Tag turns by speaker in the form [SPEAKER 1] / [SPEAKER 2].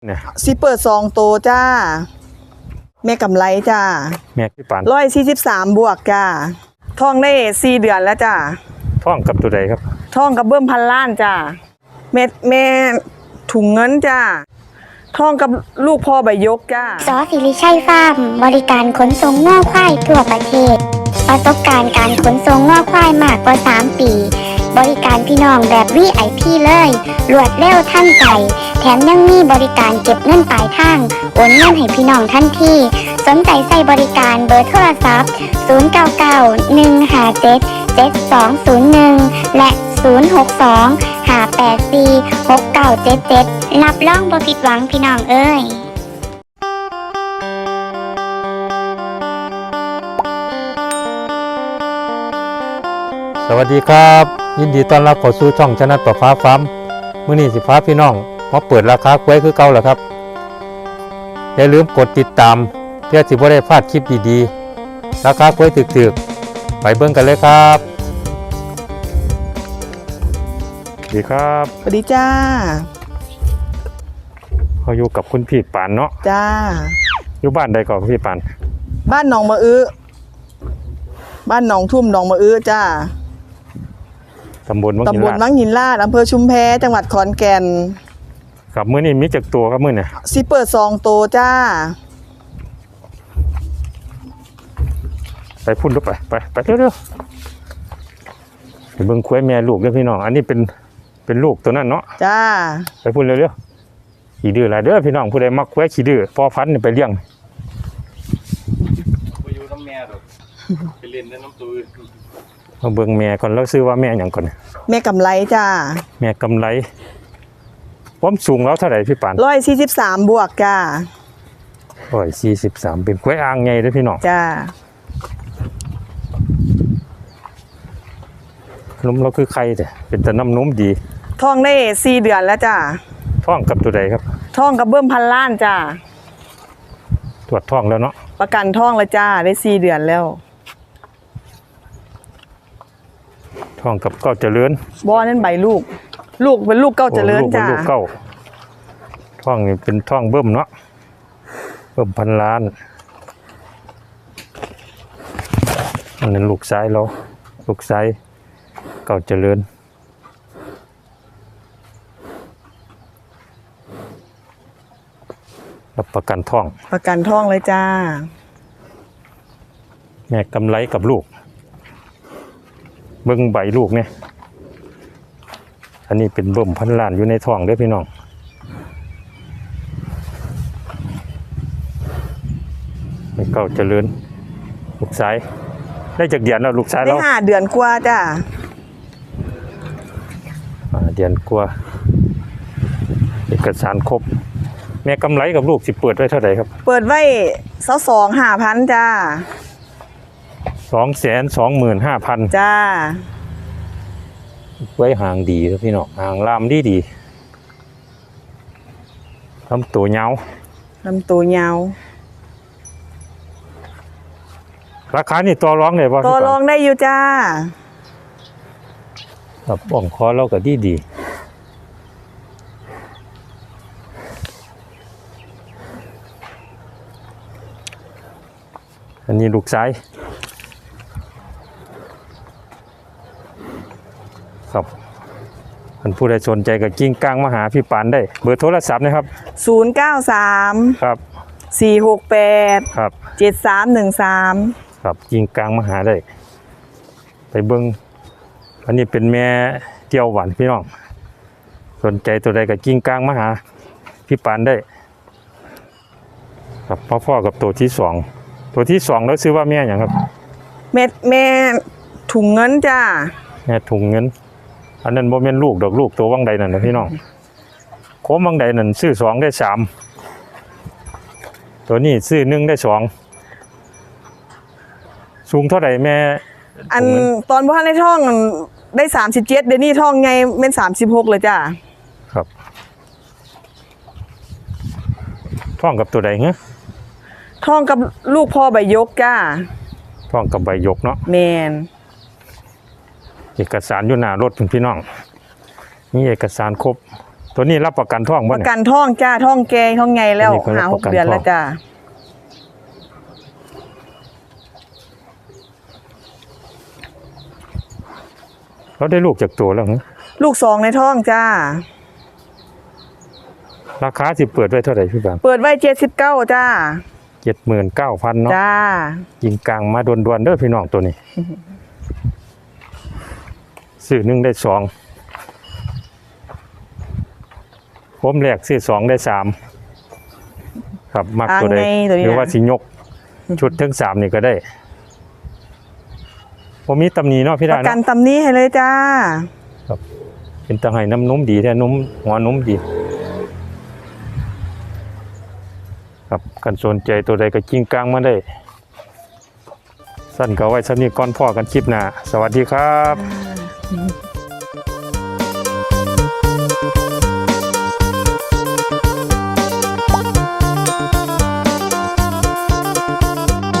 [SPEAKER 1] เนี่ย
[SPEAKER 2] สิเปิด2 ตัวจ้าแม่กำไรจ้า
[SPEAKER 1] แม่พี่ปาน
[SPEAKER 2] 143 บวกจ้าท่องได้4 เดือนแล้วจ้า
[SPEAKER 1] ท่องกับตัวใดครับ
[SPEAKER 2] ท่องกับเบิ่มพันล้านจ้าแม่ถุงเงินจ้าท่องกับลูกพ่อใบยกจ้า
[SPEAKER 3] สอสิริชัยฟาร์มบริการขนส่งง่อควายทั่วประเทศประสบการณ์การขนส่งง่อควายมากกว่า3 ปีบริการพี่น้องแบบ VIP เลยรวดเร็วทันใจแถมยังมีบริการเก็บเงินปลายทางโอนเงินให้พี่น้องทันทีสนใจใส่บริการเบอร์โทรศัพท์0991577201และ062-584-6977รับรองบ่ผิดหวังพี่น้องเอ้ย
[SPEAKER 1] สวัสดีครับยินดีต้อนรับเข้าสู่ช่องชนะประฟ้าฟาร์มมื้อนี้สิฟ้าพี่น้องมาเปิดราคากล้วยคือเก่าแล้วครับอย่าลืมกดติดตามเพื่อสิบ่ได้พลาดคลิปดีๆราคากล้วยถึกๆไปเบิ่งกันเลยครับสวัสดีครับ
[SPEAKER 2] สวัสดีจ้า
[SPEAKER 1] เขาอยู่กับคุณพี่ปานเนาะ
[SPEAKER 2] จ้า
[SPEAKER 1] อยู่บ้านใดก่อนพี่ปาน
[SPEAKER 2] บ้านหนองมะอื้อบ้านหนองทุ่มหนองมะอื้อจ้า
[SPEAKER 1] ตำบลวั
[SPEAKER 2] งหินลาดอำเภอชุมแพจังหวัดขอนแก่น
[SPEAKER 1] ครับมื้อนี้มีจักตัวครับมื้อนี้
[SPEAKER 2] สิเปิด2 ตัวจ้า
[SPEAKER 1] ไปพุ่นดูไปเร็วๆไปเบิ่งควายแม่ลูกเด้อพี่น้องอันนี้เป็นลูกตัวนั้นเนาะ
[SPEAKER 2] จ้า
[SPEAKER 1] ไปพุ่นเร็วๆขี้ดื้อหลายเด้อพี่น้องผู้ใดมักควายขี้ดื้อพอพันธุ์นี่ไปเลี้ยง
[SPEAKER 4] ไปอยู่น้ำแม่ดอกไปเล่นน้ำตัวอื่น
[SPEAKER 1] มาเบิ่งแม่ก่อนแล้วซื้อว่าแม่หยังก่อน
[SPEAKER 2] แม่กำไรจ้า
[SPEAKER 1] แม่กำไรความสูงแล้วเท่าไหร่พี่ปาน
[SPEAKER 2] 143 บวกจ้า
[SPEAKER 1] 143เป็นควายอ่างใหญ่เด้อพี่น้อง
[SPEAKER 2] จ้า
[SPEAKER 1] นมเราคือไข่แต่เป็นแต่น้ำนมดี
[SPEAKER 2] ท่องได้4 เดือนแล้วจ้า
[SPEAKER 1] ท้องกับตัวใดครับ
[SPEAKER 2] ท่องกับเบิ่มพันล้านจ้า
[SPEAKER 1] ตรวจท้องแล้วเนาะ
[SPEAKER 2] ประกันท่องแล้วจ้าได้4 เดือนแล้ว
[SPEAKER 1] ท้องกับเก้าเจริญ
[SPEAKER 2] บ่นั่นใบลูกเป็นลูกเก้าเจริญจ้า
[SPEAKER 1] ลูกเก้าท้องนี่เป็นท้องเบิ่มเนาะเบิ่มพันล้านอันนั้นลูกซ้ายเราลูกซ้ายเก้าเจริญรับประกันท้
[SPEAKER 2] องเลยจ้า
[SPEAKER 1] แม่กำไรกับลูกเบิ่งใบลูกเนี่ยอันนี้เป็นเบิ่มพันล้านอยู่ในท้องเด้อพี่น้องไม่เก้าเจริญลูกซ้ายได้จากเดือนแล้วลูกซ้ายแล้ว
[SPEAKER 2] ได้5 เดือนกว่าจ้า
[SPEAKER 1] เดือนกว่าเอกสารครบแม่กำไรกับลูกสิเปิดไว้เท่าไหร่ครับ
[SPEAKER 2] เปิดไว้22,500จ้า
[SPEAKER 1] 225,000
[SPEAKER 2] จ้า
[SPEAKER 1] ไว้ห่างดีครับพี่น้องห่างลามดีลำตัวยาวราคานี่ต่อรองได้ป่ะ
[SPEAKER 2] ต่อรองได้อยู่จ้า
[SPEAKER 1] ครับอ่องคอเราก็ดีอันนี้ลูกซ้ายครับท่านผู้ใดสนใจก็กิ้งก้างมาหาพี่ปานได้เบอร์โทรศัพท์นะครับ
[SPEAKER 2] 093
[SPEAKER 1] ครับ
[SPEAKER 2] 468
[SPEAKER 1] ครับ
[SPEAKER 2] 7313
[SPEAKER 1] ครับกิ้งก้างมาหาได้ไปเบิ่งอันนี้เป็นแม่เจียวหวานพี่น้องสนใจตัวใดก็กิ้งก้างมาหาพี่ปานได้ครับพ่อกับตัวที่2แล้วซื้อว่าแม่หยังครับ
[SPEAKER 2] แม่ถุงเงินจ้า
[SPEAKER 1] แม่ถุงเงินอันนั้นบ่แม่นลูกดอกลูกตัววังใดนั่นนะพี่น้องโคมวังใดนั่นซื้อ2ได้3ตัวนี้ซื้อ1ได้2สูงเท่าไหร่แม่
[SPEAKER 2] อันตอนบ่ทันในท้องได้37เดี๋ยวนี้ท้องใหญ่แม่น36เลยจ้า
[SPEAKER 1] ครับท้องกับตัวใดฮะ
[SPEAKER 2] ท้องกับลูกพ่อใบยกจ้า
[SPEAKER 1] ท้องกับใบยกเนาะ
[SPEAKER 2] แม่น
[SPEAKER 1] เอกสารอยู่หน้ารถพี่น้องมีเอกสารครบตัวนี้รับประกันท้อง
[SPEAKER 2] ป
[SPEAKER 1] บ่
[SPEAKER 2] ระ
[SPEAKER 1] เนี่ย
[SPEAKER 2] กันท้องจ้าท้องแกท้องไงแล้ว
[SPEAKER 1] อันนี้ก็รับ
[SPEAKER 2] หา
[SPEAKER 1] ประกัน
[SPEAKER 2] 6 เดือน
[SPEAKER 1] ท้อง
[SPEAKER 2] แล้วจ้า
[SPEAKER 1] เราได้ลูกจากตัวแล้วเหรอ
[SPEAKER 2] ลูก2ในท้องจ้า
[SPEAKER 1] ราคาสิเปิดไว้เท่าไหร่พี่บาง
[SPEAKER 2] เปิดไว้79จ้า
[SPEAKER 1] 79,000เนาะ
[SPEAKER 2] จ้า
[SPEAKER 1] ยิงกลางมาด่วนๆเด้อพี่น้องตัวนี้ ซื้อ1ได้2ผมแรกซื้อ2ได้3ครับมักตัวใด
[SPEAKER 2] อ่างในตัวนี้
[SPEAKER 1] หรือว่าสิยกชุดถึง3นี่ก็ได้ผมมีตำหนิเนาะพี่
[SPEAKER 2] ป
[SPEAKER 1] ดา
[SPEAKER 2] ระกัน
[SPEAKER 1] เนาะ
[SPEAKER 2] ตำนี้ให้เลยจ้า
[SPEAKER 1] เป็นตะไห้น้ำนุ่มดีแท้นุ่มหัวนุ่มดีครับกันสนใจตัวใดก็กิ้งกลางมาได้ สั้นก็ไว้สักนี้ก่อนพ่อกันคลิปหน้าสวัสดีครับ